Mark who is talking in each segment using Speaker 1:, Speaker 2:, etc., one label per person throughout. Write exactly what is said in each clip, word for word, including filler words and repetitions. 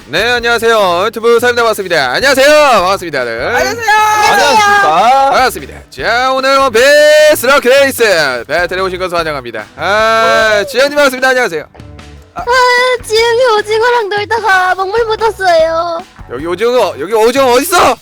Speaker 1: 네, 안녕하세요. 유튜브 사입니다. 반갑습니다. 안녕하세요. 반갑습니다. 네.
Speaker 2: 안녕하세요.
Speaker 3: 안녕하십니까.
Speaker 1: 반갑습니다. 자, 오늘 원피스 럭키 레이스 배틀에 오신 것을 환영합니다. 아, 지현님 반갑습니다. 안녕하세요.
Speaker 4: 아, 지영이 오징어랑 놀다가 먹물 묻었어요.
Speaker 1: 여기 오징어, 여기 오징어 어딨어? 어?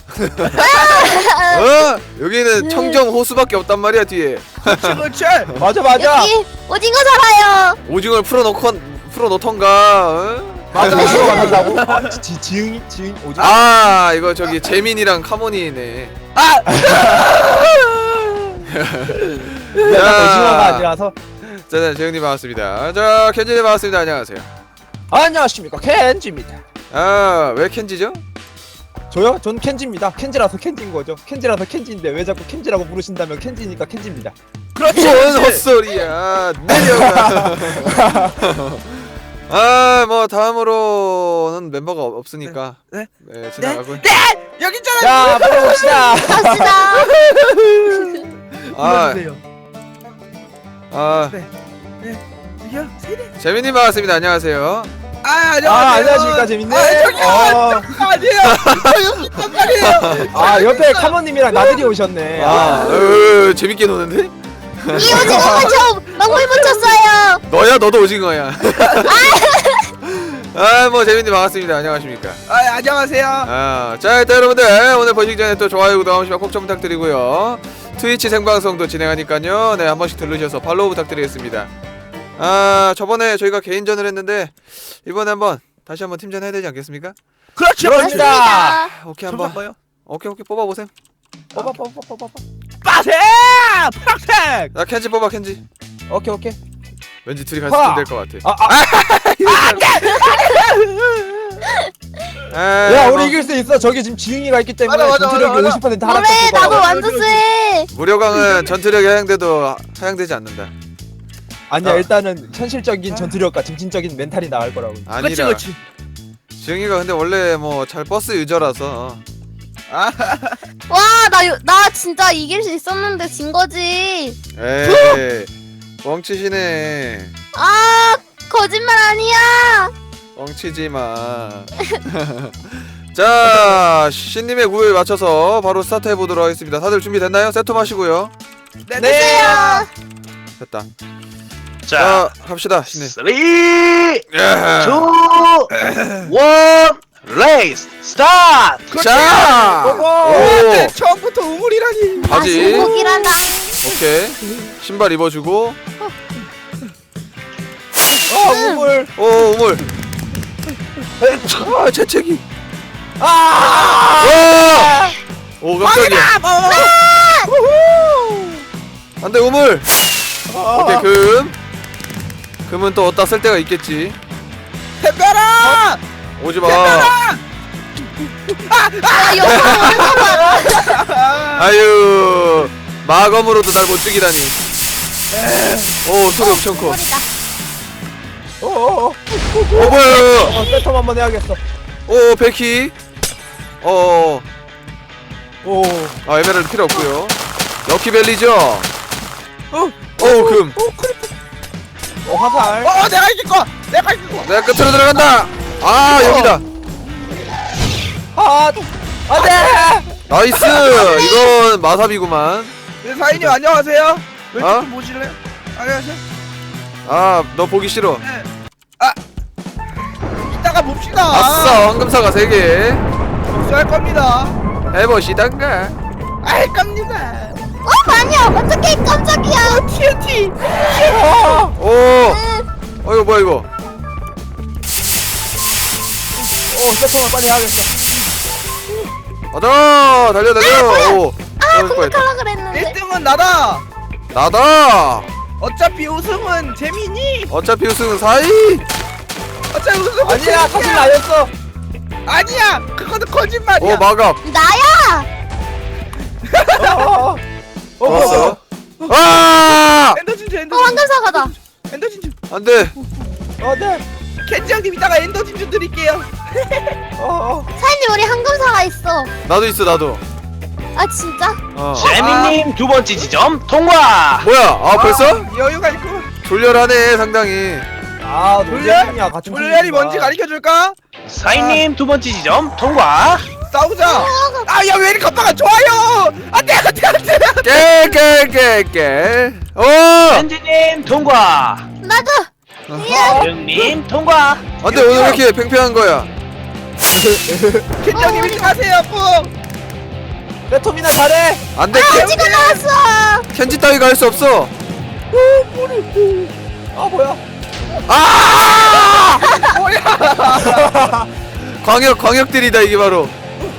Speaker 1: 여기는 청정 호수밖에 없단 말이야, 뒤에.
Speaker 2: 그렇지.
Speaker 3: 맞아 맞아.
Speaker 4: 여기 오징어 살아요.
Speaker 1: 오징어를 풀어놓건, 풀어놓던가, 어?
Speaker 3: 맞아 오징어 만난다고? 아, 지 지응이 지응 오징어.
Speaker 1: 아, 이거 저기 재민이랑 카모니네.
Speaker 2: 아,
Speaker 3: 내가 오징어가 아니라서.
Speaker 1: 자, 재영님 반갑습니다. 자, 켄지님 반갑습니다. 안녕하세요.
Speaker 3: 안녕하십니까 켄지입니다.
Speaker 1: 아, 왜 켄지죠?
Speaker 3: 저요? 전 켄지입니다. 켄지라서 켄지인 거죠. 켄지라서 켄지인데 왜 자꾸 켄지라고 부르신다면 켄지니까 켄지입니다.
Speaker 2: 그렇지.
Speaker 1: 뭔 헛소리야. 내려가. 아, 뭐 다음으로는 멤버가 없- 없으니까
Speaker 2: 네?
Speaker 1: 네, 지나가고.
Speaker 2: 네, 여기 있잖아.
Speaker 3: 자 불러봅시다.
Speaker 4: 갑시다.
Speaker 1: 아,
Speaker 2: 불러주세요.
Speaker 1: 아,
Speaker 2: 여기요. 세대.
Speaker 1: 재민님 반갑습니다. 안녕하세요.
Speaker 2: 아, 안녕하세요.
Speaker 3: 아 안녕하십니까 재밌네.
Speaker 2: 아, 저기요.
Speaker 3: 어,
Speaker 2: 아니에요. 저 여기 있단 말이에요.
Speaker 3: 아 옆에 카모님이랑 나들이 오셨네.
Speaker 1: 아,
Speaker 3: 아,
Speaker 1: 으, 재밌게 노는데?
Speaker 4: 이 오징어가 저 먹물 묻혔어요.
Speaker 1: 너야, 너도 오징어야. 아, 뭐 재민님 반갑습니다. 안녕하십니까?
Speaker 2: 아, 안녕하세요.
Speaker 1: 아, 자, 일단 여러분들 오늘 보시기 전에 또 좋아요, 구독 한 번씩만 꼭 좀 부탁드리고요. 트위치 생방송도 진행하니까요. 네, 한 번씩 들르셔서 팔로우 부탁드리겠습니다. 아, 저번에 저희가 개인전을 했는데 이번에 한번 다시 한번 팀전 해야 되지 않겠습니까?
Speaker 2: 그렇죠.
Speaker 3: 그렇습니다.
Speaker 1: 아, 오케이 한번.
Speaker 2: 한번.
Speaker 1: 오케이 오케이 뽑아 보세요.
Speaker 3: 뽑아 뽑아 뽑아 뽑아.
Speaker 2: 빠세. 팍팩.
Speaker 1: 나 켄지 뽑아 켄지.
Speaker 3: 오케이 오케이.
Speaker 1: 왠지 둘이 같이
Speaker 3: 하!
Speaker 1: 될 것 같아.
Speaker 3: 아, 아,
Speaker 1: 아,
Speaker 3: 야
Speaker 1: 뭐,
Speaker 3: 우리 이길 수 있어. 저기 지금 지응이가 있기 때문에
Speaker 2: 맞아, 맞아,
Speaker 3: 전투력이
Speaker 2: 맞아,
Speaker 3: 오십 퍼센트
Speaker 4: 그래
Speaker 3: 하락했을
Speaker 4: 나도
Speaker 3: 거야.
Speaker 4: 완전 쎄.
Speaker 1: 무료강은 전투력이 하향돼도 하향되지 않는다.
Speaker 3: 아니야
Speaker 1: 어.
Speaker 3: 일단은 현실적인 전투력과 정신적인 멘탈이 나을 거라고.
Speaker 2: 그렇지,
Speaker 1: 아니라.
Speaker 2: 그렇지.
Speaker 1: 지영이가 근데 원래 뭐 잘 버스 유저라서.
Speaker 2: 아,
Speaker 4: 와나 나 진짜 이길 수 있었는데 진 거지.
Speaker 1: 에이, 뻥치시네.
Speaker 4: 아 거짓말 아니야.
Speaker 1: 뻥치지 마. 자, 신님의 구호에 맞춰서 바로 스타트 해보도록 하겠습니다. 다들 준비됐나요? 세트 마시고요.
Speaker 2: 네,
Speaker 3: 네.
Speaker 1: 됐다.
Speaker 5: 자,
Speaker 1: 자, 갑시다, 신님.
Speaker 5: 쓰리,
Speaker 1: 야.
Speaker 5: 투, 원, 레이스 스타트!
Speaker 1: 자,
Speaker 3: 고고!
Speaker 1: 오,
Speaker 2: 네, 처음부터 우물이라니.
Speaker 4: 아
Speaker 1: 바지.
Speaker 4: 신곡이란다.
Speaker 1: 오케이. 신발 입어주고.
Speaker 3: 어 우물.
Speaker 1: 오, 우물. 아, 재채기.
Speaker 3: 아!
Speaker 1: 와! 오, 깜짝이야. 안돼, 우물. 오케이, 금. 금은 또 어디다 쓸 데가 있겠지.
Speaker 2: 햇볕아.
Speaker 1: 오지 마.
Speaker 4: 아 여기 오는 거 봐라.
Speaker 1: 아유, 마검으로도 날 못 죽이다니. 오, 소리 엄청 커.
Speaker 4: 머리다.
Speaker 3: 어어어.
Speaker 1: 어, 뭐야?
Speaker 3: 어 세텀 한번 해야겠어.
Speaker 1: 오, 베키. 어,
Speaker 3: 오.
Speaker 1: 아, 에메랄드 필요 없고요. 럭키벨리죠.
Speaker 2: 어,
Speaker 1: 오, 금.
Speaker 3: 어 화살.
Speaker 2: 어, 내가 이길 거. 내가 이길 거.
Speaker 1: 내가 끝으로 들어간다. 아, 여기다.
Speaker 3: 아 안돼.
Speaker 1: 나이스. 이건 마삽이구만.
Speaker 2: 네, 사인님 안녕하세요. 왜
Speaker 1: 어?
Speaker 2: 좀 보실래요? 안녕하세요.
Speaker 1: 아, 너 보기 싫어.
Speaker 2: 네. 아, 이따가 봅시다.
Speaker 1: 아싸, 황금사가 세 개.
Speaker 2: 복수할 겁니다.
Speaker 1: 해보시던가.
Speaker 2: 알 겁니다.
Speaker 4: 어 아니야 어떡해 깜짝이야.
Speaker 2: 티엔티.
Speaker 1: 오, 어, 이거 뭐야 이거?
Speaker 3: 오 세텀을 빨리 해야겠어.
Speaker 1: 가자, 달려 달려. 오,
Speaker 4: 아
Speaker 1: 떨어질 뻔했다.
Speaker 4: 공격하려 그랬는데.
Speaker 2: 일 등은 나다.
Speaker 1: 나다.
Speaker 2: 어차피 우승은 재민이.
Speaker 1: 어차피 우승은 사이.
Speaker 2: 어차피 우승은
Speaker 3: 아니야 사실
Speaker 2: 재민이야.
Speaker 3: 나였어.
Speaker 2: 아니야. 그거는 거짓말이야.
Speaker 1: 오, 마갑.
Speaker 4: 나야.
Speaker 3: 어. 어.
Speaker 1: 좋았어. 아,
Speaker 2: 엔더 진주 엔더
Speaker 4: 어
Speaker 2: 진주.
Speaker 4: 황금 사과다.
Speaker 2: 엔더 진주.
Speaker 1: 안돼.
Speaker 3: 어 네.
Speaker 2: 켄지 형님 이따가 엔더 진주 드릴게요.
Speaker 3: 어 어.
Speaker 4: 사장님 우리 황금 사과 있어.
Speaker 1: 나도 있어, 나도.
Speaker 4: 아 진짜?
Speaker 1: 어.
Speaker 5: 재민님 두 번째 지점 통과!
Speaker 1: 뭐야? 아, 벌써?
Speaker 2: 아, 여유가 있고.
Speaker 1: 졸렬하네, 상당히.
Speaker 3: 아
Speaker 2: 졸렬?
Speaker 3: 노잼이야 같은
Speaker 2: 졸렬이
Speaker 3: 팀이구나.
Speaker 2: 뭔지 가르쳐줄까?
Speaker 5: 사인님 두 번째 지점 통과.
Speaker 2: 싸우자. 아, 야, 왜 이렇게 깜빡아 좋아요. 안돼, 안돼, 안돼.
Speaker 1: 깨깨깨깨 오
Speaker 5: 켄지님 통과.
Speaker 4: 나도.
Speaker 5: 영님 통과.
Speaker 1: 안돼 오늘 왜 이렇게 팽팽한 거야
Speaker 2: 켄장님 일찍 하세요, 뿡.
Speaker 3: 레토미나 잘해.
Speaker 1: 안돼
Speaker 4: 켄지가 나왔어.
Speaker 1: 켄지 따위가 할 수 없어
Speaker 3: 아 뭐야?
Speaker 1: 아 광역 광역들이다 이게 바로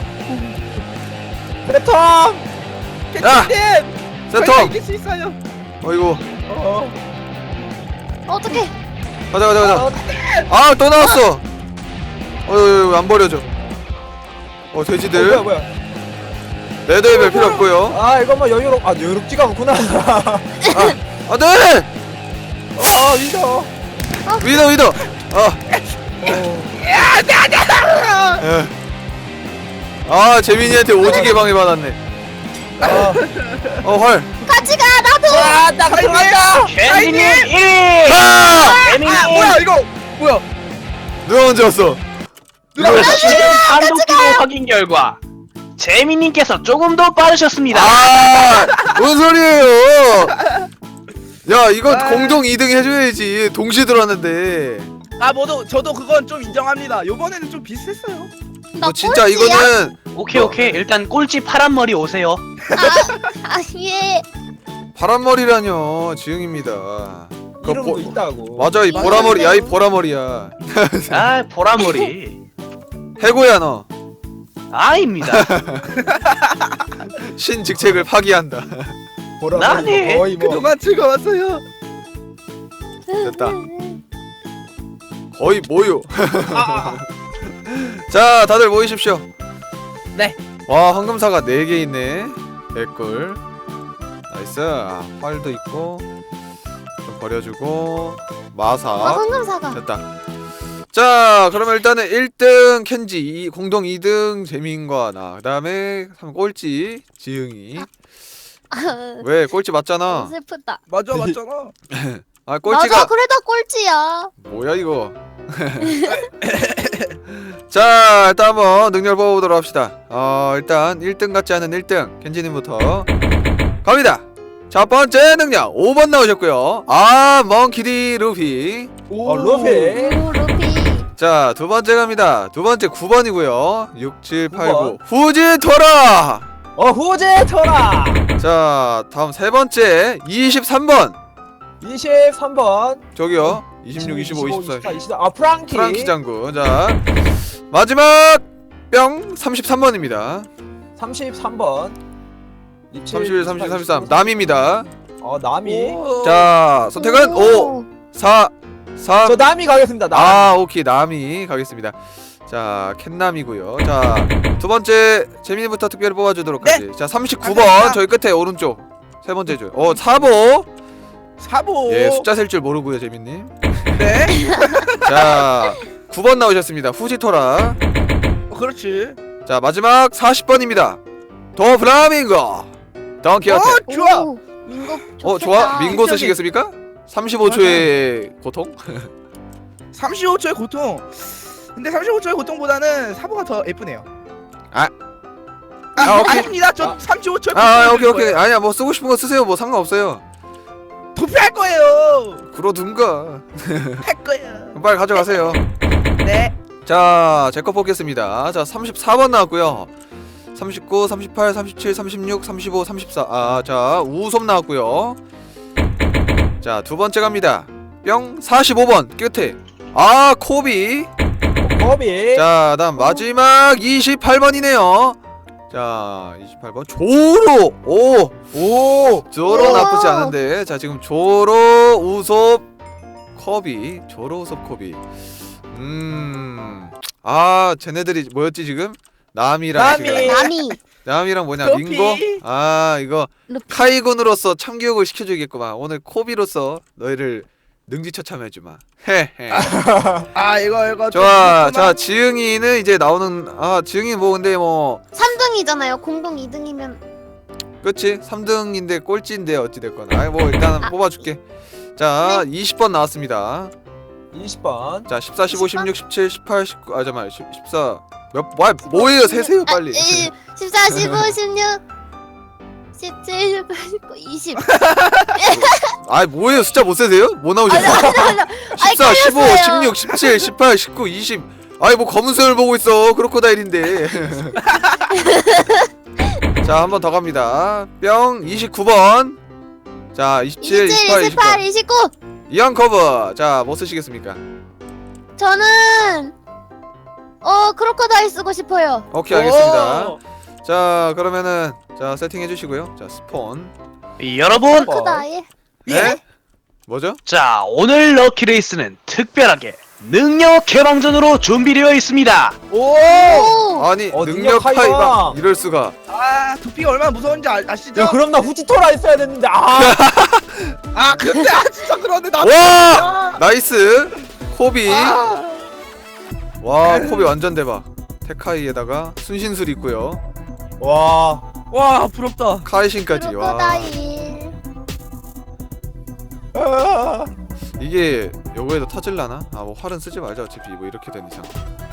Speaker 3: 레톰.
Speaker 2: 켄장님.
Speaker 1: 세톰
Speaker 2: 이길 수 있어요.
Speaker 1: 어이구
Speaker 3: 어.
Speaker 4: 어떡해.
Speaker 1: 가자 가자 가자
Speaker 3: 어,
Speaker 1: 아 또 나왔어 어휴 안 버려져 어
Speaker 3: 뭐야
Speaker 1: 돼지들
Speaker 3: 뭐야?
Speaker 1: 레더에 별 필요 없고요
Speaker 3: 아 이거 뭐 여유롭 아 여유롭지가 않구나.
Speaker 1: 아 안돼
Speaker 3: 어 위더.
Speaker 1: 위더 위더 아
Speaker 2: 야, 안돼, 안돼.
Speaker 1: 예. 아 재민이한테 오지게 방해받았네
Speaker 3: 아.
Speaker 1: 어헐
Speaker 4: 같이 가. 나도.
Speaker 3: 아나 들어간다.
Speaker 5: 켄지님 일 위.
Speaker 1: 아!
Speaker 5: 재민님
Speaker 2: 아, 뭐야 이거? 뭐야?
Speaker 1: 누가 먼저 왔어
Speaker 2: 누가
Speaker 1: 이거-
Speaker 5: 지금 판독 기록 확인 결과 재민님께서 조금 더 빠르셨습니다.
Speaker 1: 아 뭔 소리예요 야 이거
Speaker 2: 아.
Speaker 1: 공동 이 등 해줘야지 동시에 들어왔는데
Speaker 2: 아, 모두 저도 그건 좀 인정합니다. 요번에는 좀 비슷했어요.
Speaker 4: 나
Speaker 1: 너 진짜
Speaker 4: 꼴찌야?
Speaker 1: 이거는
Speaker 5: 오케이 오케이 일단 꼴찌 파란 머리 오세요.
Speaker 4: 아, 아 예.
Speaker 1: 파란머리라뇨 지흥입니다 그거
Speaker 3: 이름도
Speaker 1: 보-
Speaker 3: 있다고.
Speaker 1: 맞아 이
Speaker 2: 맞아요.
Speaker 1: 보라머리 야 이 보라머리야
Speaker 5: 아 보라 머리
Speaker 1: 해고야 너
Speaker 5: 아입니다.
Speaker 1: 신직책을 파기한다
Speaker 3: 보라.
Speaker 5: 나네.
Speaker 3: 거의 뭐.
Speaker 2: 그동안 즐거웠어요.
Speaker 1: 됐다 거의 뭐요
Speaker 3: 아,
Speaker 1: 자 다들 모이십시오
Speaker 2: 네.
Speaker 1: 와 황금사가 네 개 있네 개꿀 나이스 아, 활도 있고 좀 버려주고
Speaker 4: 아,
Speaker 1: 마사
Speaker 4: 황금사가.
Speaker 1: 됐다 자 그러면 일단은 일 등 켄지 이- 공동 이 등 재민과 나 그 다음에 삼 꼴찌 지흥이 왜 꼴찌 맞잖아
Speaker 4: 슬프다.
Speaker 2: 맞아, 맞잖아.
Speaker 1: 아
Speaker 4: 맞아.
Speaker 1: 꼴찌가
Speaker 4: 그래도 꼴찌야.
Speaker 1: 뭐야 이거 자 일단 한번 능력 뽑아보도록 합시다 어 일단 일 등 같지 않은 일 등 켄지님부터 갑니다 첫 번째 능력 오 번 나오셨고요 아 멍키디 루피
Speaker 2: 오,
Speaker 3: 어 루피.
Speaker 4: 오 루피.
Speaker 1: 자 두 번째 갑니다 두 번째 구 번이고요 육, 칠, 팔, 구
Speaker 3: 구 번.
Speaker 1: 후지토라
Speaker 3: 어 후제 터라.
Speaker 1: 자 다음 세 번째 이십삼 번
Speaker 3: 이십삼 번.
Speaker 1: 저기요 이십육, 이십오, 이십사
Speaker 3: 이십사. 아 프랑키.
Speaker 1: 프랑키 장군 자 마지막 뿅 삼십삼 번입니다
Speaker 3: 삼십삼 번.
Speaker 1: 삼십일, 삼십이, 삼십삼 남입니다
Speaker 3: 어 남이.
Speaker 2: 오.
Speaker 1: 자 선택은 오, 사, 삼
Speaker 3: 저 남이 가겠습니다. 남.
Speaker 1: 아 오케이 남이 가겠습니다 자 캔남이고요 자 두번째 재민이부터 특별히 뽑아주도록
Speaker 2: 네.
Speaker 1: 하지 자 삼십구 번
Speaker 2: 감사합니다.
Speaker 1: 저희 끝에 오른쪽 세 번째 줄어 사보
Speaker 2: 사보.
Speaker 1: 예 숫자 셀 줄 모르고요 재민님
Speaker 2: 네.
Speaker 1: 자 구 번 나오셨습니다 후지토라
Speaker 2: 어, 그렇지.
Speaker 1: 자 마지막 사십 번입니다 더 플라밍고 덩키어테
Speaker 2: 어, 좋아.
Speaker 4: 오, 민고
Speaker 1: 어
Speaker 4: 좋겠다.
Speaker 1: 좋아 민고 쓰시겠습니까? 삼십오 초의 고통?
Speaker 2: 삼십오 초의 고통. 근데 삼십오 초의 고통보다는 사보가 더 예쁘네요.
Speaker 1: 아.
Speaker 2: 아,
Speaker 1: 아, 오케이.
Speaker 2: 아닙니다. 저 삼십오 초의 고통.
Speaker 1: 아 오케이 오케이 아니야 뭐 쓰고 싶은 거 쓰세요 뭐 상관없어요
Speaker 2: 도피할 거예요.
Speaker 1: 그러든가
Speaker 2: 할 거예요.
Speaker 1: 빨리 가져가세요
Speaker 2: 네.
Speaker 1: 자 제 거 뽑겠습니다 자 삼십사 번 나왔고요 삼십구, 삼십팔, 삼십칠, 삼십육, 삼십오, 삼십사 아 자 우솜 나왔고요 자 두 번째 갑니다 뿅 사십오 번 끝에 아 코비
Speaker 3: 거비.
Speaker 1: 자 다음 마지막 이십팔 번이네요 자 이십팔 번 조로 오
Speaker 3: 오.
Speaker 1: 조로
Speaker 4: 우와.
Speaker 1: 나쁘지 않은데 자 지금 조로 우솝 코비 조로 우솝 코비 음아 쟤네들이 뭐였지 지금 남이랑
Speaker 3: 남이.
Speaker 1: 지금
Speaker 4: 남이.
Speaker 1: 남이랑 뭐냐
Speaker 2: 코비.
Speaker 1: 민고 아 이거
Speaker 4: 루피.
Speaker 1: 카이군으로서 참교육을 시켜주겠구만 오늘 코비로서 너희를 능지처참해주마 헤헤
Speaker 2: 아, 이거 이거. 좀
Speaker 1: 좋아
Speaker 2: 그렇구나.
Speaker 1: 자 지흥이는 이제 나오는 아 지흥이 뭐 근데 뭐
Speaker 4: 삼 등이잖아요. 공동 이 등이면.
Speaker 1: 그치 삼 등인데 꼴찌인데 어찌됐건 아이 뭐 일단
Speaker 4: 아.
Speaker 1: 뽑아줄게 자 이십 번 나왔습니다
Speaker 3: 이십 번.
Speaker 1: 자 십사, 십오, 십육, 십칠, 십팔, 십구. 아 잠깐만. 십사. 몇 뭐, 뭐예요? 세세요 빨리.
Speaker 4: 아, 십사, 십오, 십육, 십칠, 십팔, 십구, 이십.
Speaker 1: 아 뭐예요? 숫자 못 세세요? 뭐 나오셨어요? 십사, 십오, 십육, 십칠, 십팔, 십구, 이십. 아이 뭐 검은 수염을 보고 있어. 크로코다일인데. 자 한 번 더 갑니다. 뿅 이십구 번. 자 이십칠,
Speaker 4: 이십칠,
Speaker 1: 이십팔,
Speaker 4: 이십팔,
Speaker 1: 이십구.
Speaker 4: 이십구.
Speaker 1: 이왕 커버. 자 뭐 쓰시겠습니까?
Speaker 4: 저는 어 크로커다일 쓰고 싶어요.
Speaker 1: 오케이 알겠습니다. 자 그러면은 자 세팅해 주시고요. 자 스폰.
Speaker 5: 여러분,
Speaker 4: 크로커다일.
Speaker 1: 네? 뭐죠?
Speaker 5: 자 오늘 럭키 레이스는 특별하게 능력 개방전으로 준비되어 있습니다.
Speaker 2: 오!
Speaker 4: 오.
Speaker 1: 아니
Speaker 3: 어,
Speaker 1: 능력
Speaker 3: 능력
Speaker 1: 파이가
Speaker 3: 파이가.
Speaker 1: 이럴 수가.
Speaker 2: 아 두피가 얼마나 무서운지 아, 아시죠?
Speaker 3: 야 그럼 나 후지토라 했어야 됐는데 아.
Speaker 2: 아 근데 아 진짜 그런데 나.
Speaker 1: 와 나이스 코비.
Speaker 2: 아,
Speaker 1: 와 코비 완전 대박. 테카이에다가 순신술 있고요.
Speaker 3: 와.
Speaker 2: 와 부럽다.
Speaker 1: 카이신까지. 와
Speaker 4: 크로커다일.
Speaker 3: 아.
Speaker 1: 이게 요거에도 터질라나? 아 뭐 활은 쓰지 말자 어차피 뭐 이렇게 된 이상.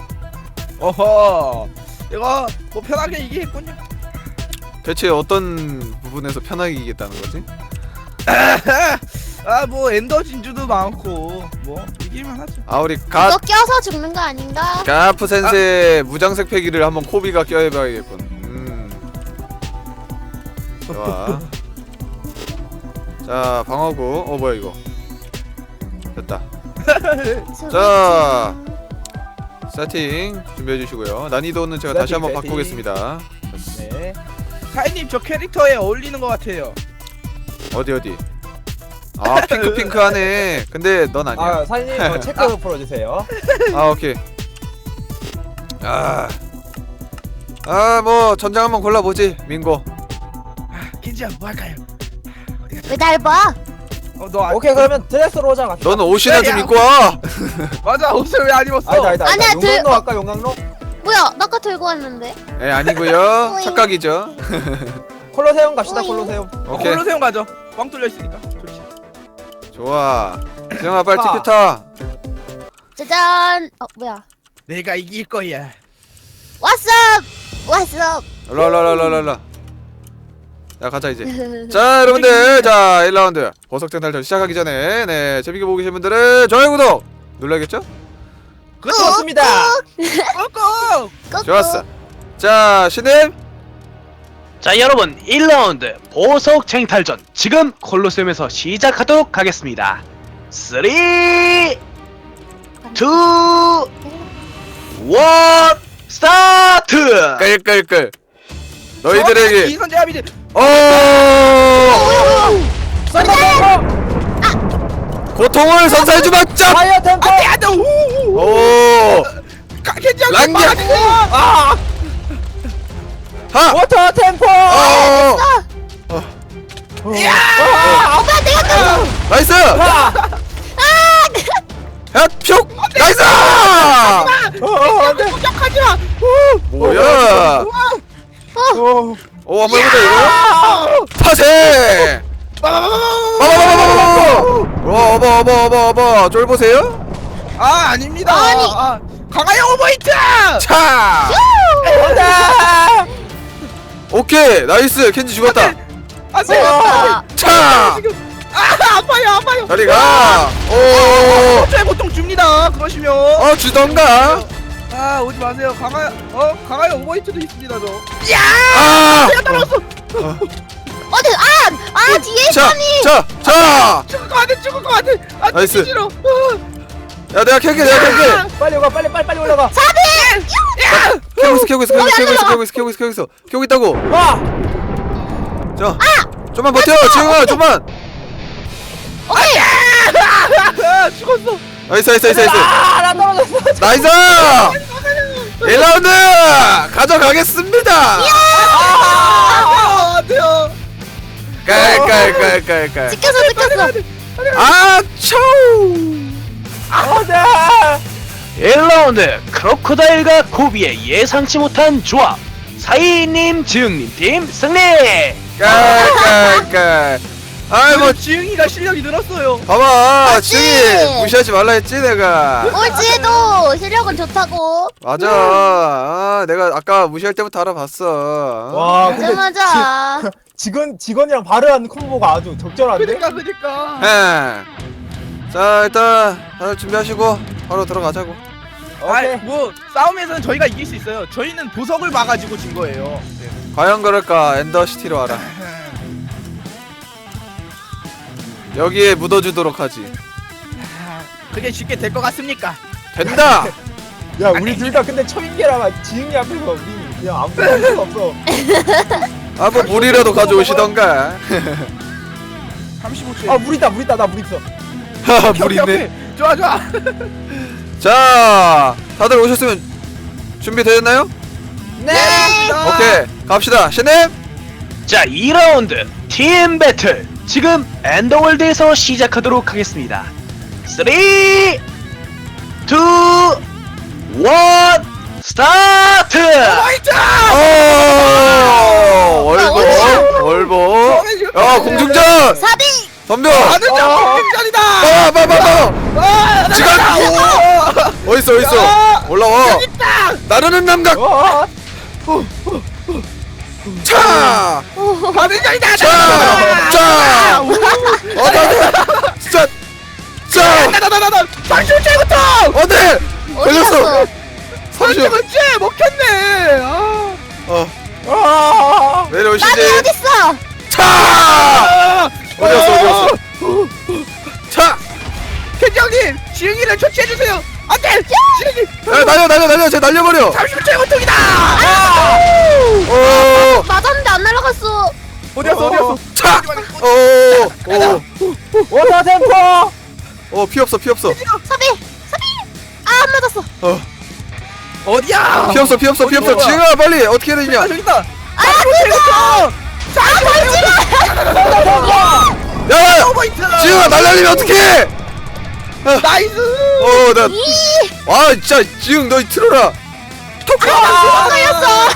Speaker 2: 어허. 이거 뭐 편하게 이기겠군요.
Speaker 1: 대체 어떤 부분에서 편하게 이기겠다는 거지?
Speaker 2: 아 뭐 엔더 진주도 많고 뭐 이기면 하죠.
Speaker 1: 아 우리
Speaker 4: 이거
Speaker 1: 가
Speaker 4: 껴서 죽는 거 아닌가?
Speaker 1: 가프 센세 무장색 패기를 한번 코비가 껴해봐야겠군. 음. 좋아. 자 방어구. 어 뭐야 이거? 됐다. 자. 세팅 준비해 주시고요. 난이도는 제가 다시
Speaker 3: 세팅,
Speaker 1: 한번
Speaker 3: 세팅.
Speaker 1: 바꾸겠습니다.
Speaker 3: 네.
Speaker 2: 사인님 저 캐릭터에 어울리는 것 같아요.
Speaker 1: 어디 어디? 아 핑크 핑크하네. 근데 넌 아니야.
Speaker 3: 아 사장님 어, 체크 풀어주세요.
Speaker 1: 아 오케이. 아. 아 뭐 전장 한번 골라보지 민고.
Speaker 2: 킨지야 뭐 할까요?
Speaker 4: 왜 날 봐?
Speaker 2: 어너 아,
Speaker 3: 오케이 그러면 드레스로 오자 갑시다.
Speaker 1: 너는 옷이나 좀
Speaker 2: 야,
Speaker 1: 입고 와.
Speaker 2: 맞아 옷을 왜 안 입었어?
Speaker 3: 아니다 아니다.
Speaker 4: 아니야,
Speaker 3: 아니다.
Speaker 4: 들-
Speaker 3: 용광로 할까 용광로?
Speaker 4: 뭐야? 나 아까 들고 왔는데.
Speaker 1: 예 아니고요.
Speaker 4: 오잉.
Speaker 1: 착각이죠.
Speaker 3: 콜로세움 갑시다
Speaker 4: 오잉.
Speaker 3: 콜로세움.
Speaker 1: 오케이
Speaker 2: 콜로세움 가죠. 뻥 뚫려 있으니까. 좋지.
Speaker 1: 좋아. 지영아 빨리
Speaker 3: 아.
Speaker 1: 티켓 타.
Speaker 4: 짜잔. 어 뭐야?
Speaker 2: 내가 이길 거야.
Speaker 4: 왓썹. 왓썹.
Speaker 1: 랄랄랄랄랄라. 야 가자 이제. 자 여러분들 자 일 라운드 보석쟁 탈전 시작하기 전에 네 재밌게 보고 계신 분들은 좋아요 구독 눌러야겠죠?
Speaker 3: 그렇습니다.
Speaker 2: 꾹꾹.
Speaker 4: 꾹꾹.
Speaker 1: 좋았어. 자 신임
Speaker 5: 자 여러분 일 라운드 보석 쟁탈전 지금 콜로세움에서 시작하도록 하겠습니다. 삼, 이, 일 스타트!
Speaker 1: 끌끌끌 너희들에게
Speaker 2: 이선 제압이지.
Speaker 1: 어 고통을 선사해주마 짭!
Speaker 3: 파이어 템포.
Speaker 2: 안돼 우.
Speaker 1: 오
Speaker 2: 켄지야
Speaker 1: 랑냐.
Speaker 2: 아.
Speaker 1: 하!
Speaker 3: 워터 템포.
Speaker 1: 어!
Speaker 4: 오빠 내가 또.
Speaker 1: 나이스! 야, 뿅! 나이스!
Speaker 3: 어, 네.
Speaker 2: 공격하지 마.
Speaker 1: 뭐야?
Speaker 3: 어.
Speaker 1: 오, 한번 해보자, 이거. 타세! 빠바바바바바바! 와, 어버, 어버, 어버, 어버. 쫄 보세요?
Speaker 2: 아 아닙니다.
Speaker 4: 아니.
Speaker 2: 아, 강하영 오버히트.
Speaker 1: 차! 오케이, 나이스. 켄지 죽었다.
Speaker 2: 안돼.
Speaker 4: 아,
Speaker 1: 차!
Speaker 2: 아 아파요 아파요.
Speaker 1: 저리 가! 오!
Speaker 2: 호주에 보통 줍니다. 그러시면.
Speaker 1: 어, 주던가?
Speaker 2: 아 오지 마세요. 강하 어 강하영 오버히트도 있습니다 저.
Speaker 1: 아!
Speaker 2: 내가 따라왔어.
Speaker 4: 어디? 아, 아 뒤에
Speaker 1: 자!
Speaker 4: 있더니.
Speaker 1: 자! 자!
Speaker 2: 죽을 것 같아 죽을 것 같아. 아
Speaker 1: 나이스.
Speaker 2: 죽기 싫어.
Speaker 1: 야, 내가 캘게, 내가 캘게!
Speaker 3: 빨리 올라 빨리 빨리 빨리 올라가.
Speaker 1: 캐고 있어, 캐고 있어, 캐고 있어, 캐고 있어, 캐고 있어, 캐고 있어, 캐고 있어. 캐고 있다고!
Speaker 3: 와.
Speaker 1: 자! 좀만 버텨! 지영아, 좀만!
Speaker 4: 오케이.
Speaker 2: 아 죽었어.
Speaker 1: 나이스, 나이스, 나이스, 나이스!
Speaker 3: 아나 떨어졌어.
Speaker 1: 나이스! 일 라운드 가져가겠습니다.
Speaker 2: 아 안돼요.
Speaker 1: 깔깔깔깔깔.
Speaker 4: 찍혔어, 찍혔어.
Speaker 1: 아, 초!
Speaker 3: 안돼.
Speaker 5: 일 라운드 크로코다일과 코비의 예상치 못한 조합. 사이님, 지흥님 팀 승리!
Speaker 1: 깔깔깔. 아이 뭐
Speaker 2: 지응이가 실력이 늘었어요.
Speaker 1: 봐봐
Speaker 4: 맞지?
Speaker 1: 지웅이 무시하지 말라 했지 내가.
Speaker 4: 꼴찌해도 실력은 좋다고.
Speaker 1: 맞아. 아, 내가 아까 무시할 때부터 알아봤어.
Speaker 3: 와
Speaker 4: 맞아
Speaker 3: 근데
Speaker 4: 맞아.
Speaker 3: 직원 직원이랑 발효하는 콤보가 아주 적절한데.
Speaker 2: 그니까 그니까.
Speaker 1: 예. 자 일단 다들 준비하시고 바로 들어가자고.
Speaker 3: 오케이.
Speaker 2: 아이 뭐 싸움에서는 저희가 이길 수 있어요. 저희는 보석을 봐가지고 진 거예요. 네.
Speaker 1: 과연 그럴까? 엔더시티로 와라. 여기에 묻어주도록 하지.
Speaker 2: 그게 쉽게 될 것 같습니까?
Speaker 1: 된다.
Speaker 3: 야 우리 둘 다 근데 초인계라 지응이 앞에서 우리 그냥 아무도 할 수가 없어.
Speaker 1: 아 뭐 물이라도 가져오시던가.
Speaker 2: 삼십오 초에.
Speaker 3: 아 물 있다 물 있다 나 물 있어.
Speaker 1: 하하 물 있네.
Speaker 2: 좋아 좋아.
Speaker 1: 자 다들 오셨으면 준비되셨나요?
Speaker 4: 네.
Speaker 1: 오케이 갑시다. 신님.
Speaker 5: 자, 이 라운드 팀 배틀 지금 엔더월드에서 시작하도록 하겠습니다. 삼, 이, 일, 스타트!
Speaker 2: 화이트!
Speaker 1: 오 월보 월보. 야 공중전
Speaker 4: 사비.
Speaker 1: 덤벼.
Speaker 2: 나는
Speaker 3: 어.
Speaker 2: 장공장이다.
Speaker 1: 아 봐봐봐.
Speaker 2: 아,
Speaker 1: 지금 어딨어 어딨어 올라와. 나르는 남각.
Speaker 3: 어.
Speaker 1: 차.
Speaker 2: 가능장이다.
Speaker 1: 자, 자. 어, 나, 진짜, 자,
Speaker 2: 나나나나나 삼십오 초부터.
Speaker 1: 어디? 걸렸어.
Speaker 4: 어디갔어?
Speaker 1: 삼십.
Speaker 2: 그렇지 먹혔네. 아.
Speaker 1: 어,
Speaker 3: 아.
Speaker 4: 나비
Speaker 1: 내려오시지.
Speaker 4: 어딨어?
Speaker 1: 차.
Speaker 2: 아.
Speaker 1: 어디였어, 어디였어? 차.
Speaker 2: 켄장님 지응이를 처치해 주세요. 안돼. 지응이
Speaker 1: 야, 날려, 날려, 날려, 쟤 날려버려.
Speaker 2: 삼십오 초의 고통이다.
Speaker 1: 오,
Speaker 4: 맞았는데 안 날아갔어.
Speaker 2: 어디였어 어디였어.
Speaker 1: 차. 오, 오,
Speaker 3: 워터 템포.
Speaker 1: 어, 피 없어, 피 없어.
Speaker 4: 사비. 사비. 아 안 맞았어.
Speaker 1: 어,
Speaker 2: 어디야?
Speaker 1: 피 없어, 피 없어, 피 없어.
Speaker 2: 어디야?
Speaker 1: 지금아, 빨리 어떻게 해야 되냐?
Speaker 2: 아 저기 있다.
Speaker 4: 아 그거.
Speaker 1: 야,
Speaker 2: 포인트.
Speaker 1: 지금아, 날려리면 어떡해?
Speaker 2: 나이스.
Speaker 1: 어, 나,
Speaker 4: 이.
Speaker 1: 아, 진짜 지금 너 틀어라.
Speaker 2: 아,
Speaker 4: 걸렸어.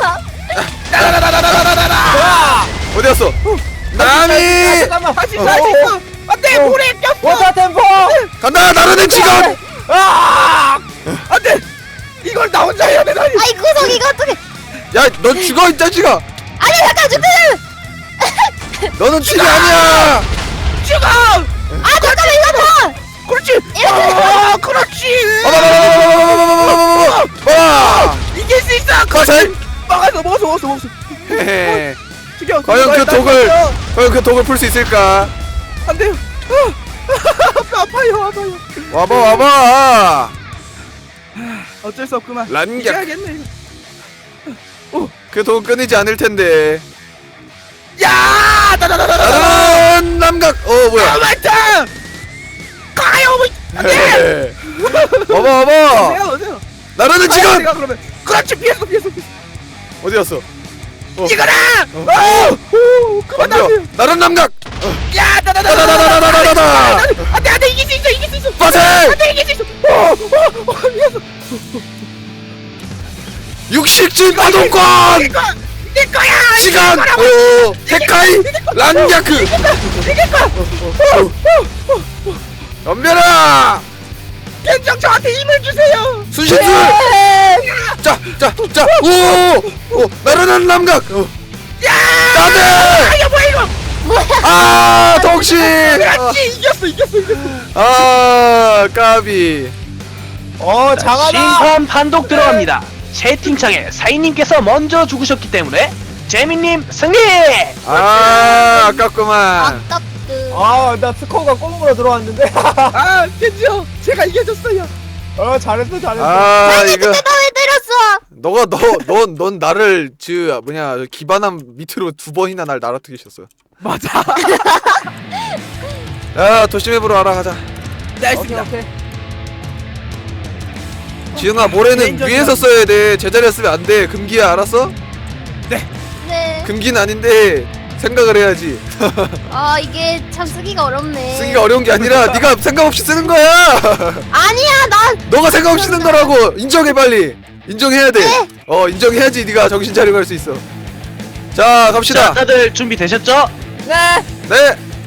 Speaker 1: 어디 갔어? 나미.
Speaker 3: 잠깐만.
Speaker 2: 다시 다시 있어. 안돼 물에 꼈어.
Speaker 3: 워터 템포.
Speaker 1: 간다. 나르는 직원.
Speaker 2: 아 안돼. 이걸 나 혼자 해야 되다니.
Speaker 4: 아이 구석 이거 어떻게?
Speaker 1: 야, 너 죽어 이 자식아.
Speaker 4: 아니 잠깐 준비.
Speaker 1: 너는 튀기 아니야.
Speaker 2: 죽어.
Speaker 4: 아 잠깐만 이거 봐.
Speaker 2: 그렇지. 아 그렇지.
Speaker 1: 와.
Speaker 2: 이길 수 있어.
Speaker 1: 거세.
Speaker 2: 막았어 먹었어 먹었어 먹었어.
Speaker 1: 헤헤.
Speaker 2: 죽여.
Speaker 1: 과연 그 독을 과연 그 독을 풀 수 있을까?
Speaker 2: 안 돼요. 아, 아파요 아파요.
Speaker 1: 와봐 와봐.
Speaker 2: 어쩔 수 없구만.
Speaker 1: 란격.
Speaker 2: 이겨야겠네.
Speaker 1: 그 독은 끊이지 않을 텐데.
Speaker 2: 야 나나나나나.
Speaker 1: 나르는 남각. 어 뭐야?
Speaker 2: 맞다. 가요.
Speaker 1: 헤헤. 와봐 와봐.
Speaker 2: 내가 어디요?
Speaker 1: 나르는 직원.
Speaker 2: 내가 그러면 그렇지 피했어 피했어 피했어.
Speaker 1: 어디 갔어?
Speaker 2: 이거라.
Speaker 1: 어.
Speaker 2: 오 그만
Speaker 1: 덤벼.
Speaker 2: 나세요.
Speaker 1: 나르는 남각.
Speaker 2: 야
Speaker 1: 다다다다다다다다다.
Speaker 2: 안돼 안돼 이길 수 있어 이길 수 있어.
Speaker 1: 빠세.
Speaker 2: 안돼 이길 수 있어. 오오오 미안해.
Speaker 1: 육식진 파동권.
Speaker 2: 이거 내 거야.
Speaker 1: 시간. 오. 데카이. 란야크.
Speaker 2: 이길 거야.
Speaker 1: 덤벼라.
Speaker 2: ken장 저한테 힘을 주세요.
Speaker 1: 순신술. 자, 자, 자, 오, 오, 나르는 남각. 어.
Speaker 2: 야.
Speaker 1: 나대.
Speaker 2: 아 뭐야 이거.
Speaker 1: 아, 독신.
Speaker 2: 그렇지 이겼어 이겼어 이겼어.
Speaker 1: 아, 까비.
Speaker 3: 어 장하다.
Speaker 5: 심판 판독 들어갑니다. 채팅창에 사인님께서 먼저 죽으셨기 때문에 재민님 승리!
Speaker 1: 아, 아깝구만.
Speaker 4: 아깝드.
Speaker 3: 아나 스코어가 꽁으로 들어왔는데.
Speaker 2: 아 켄지요 제가 이겨줬어요.
Speaker 3: 어 잘했어 잘했어.
Speaker 1: 아, 이거
Speaker 4: 그때 나 왜 때렸어?
Speaker 1: 너가 너, 넌, 넌 나를 그 뭐냐 기반함 밑으로 두 번이나 날 날아뜨리셨어.
Speaker 2: 맞아.
Speaker 1: 야, 도심앱으로 알아가자.
Speaker 2: 네
Speaker 3: 오케이
Speaker 2: 알겠습니다.
Speaker 3: 오케이.
Speaker 1: 지은아, 모래는
Speaker 2: 개인적인
Speaker 1: 위에서 써야 돼. 제자리에 쓰면 안 돼. 금기야, 알았어?
Speaker 4: 네.
Speaker 1: 금기는 아닌데 생각을 해야지.
Speaker 4: 아 이게 참 쓰기가 어렵네.
Speaker 1: 쓰기가 어려운 게 아니라 네가 생각 없이 쓰는 거야.
Speaker 4: 아니야 난.
Speaker 1: 너가 생각 없이 쓰는 거라고. 인정해 빨리. 인정해야 돼.
Speaker 4: 네.
Speaker 1: 어, 인정해야지 네가 정신 차리고 할 수 있어. 자, 갑시다.
Speaker 5: 자, 다들 준비되셨죠?
Speaker 3: 네.
Speaker 1: 네.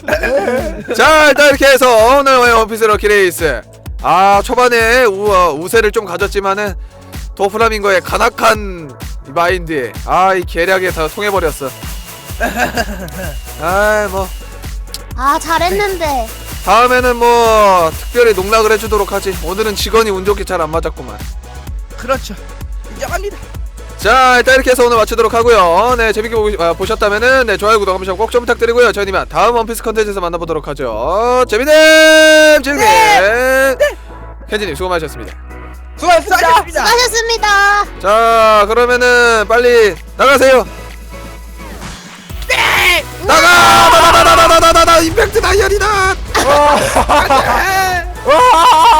Speaker 1: 자 일단 이렇게 해서 오늘 원피스 럭키레이스 아 초반에 우, 어, 우세를 좀 가졌지만은 도프라밍고의 간악한 이 마인드에 아 이 계략에 다 통해버렸어. 아이 뭐
Speaker 4: 아 잘했는데.
Speaker 1: 다음에는 뭐 특별히 농락을 해주도록 하지. 오늘은 직원이 운 좋게 잘 안 맞았구만.
Speaker 2: 그렇죠. 인정합니다.
Speaker 1: 자 일단 이렇게 해서 오늘 마치도록 하고요. 네 재밌게 보고, 아, 보셨다면은 네 좋아요 구독 한 번씩 꼭 좀 부탁드리고요. 저희는 이만 다음 원피스 컨텐츠에서 만나보도록 하죠. 재미님 재미님 켄지님 수고 많으셨습니다.
Speaker 3: 수고하셨습니다.
Speaker 2: 수고하셨습니다.
Speaker 4: 수고하셨습니다.
Speaker 1: 자 그러면은 빨리 나가세요.
Speaker 2: 네.
Speaker 1: 나가 나나나나나나나 임팩트 다이어리다.
Speaker 3: 와.
Speaker 2: 네.
Speaker 3: 와.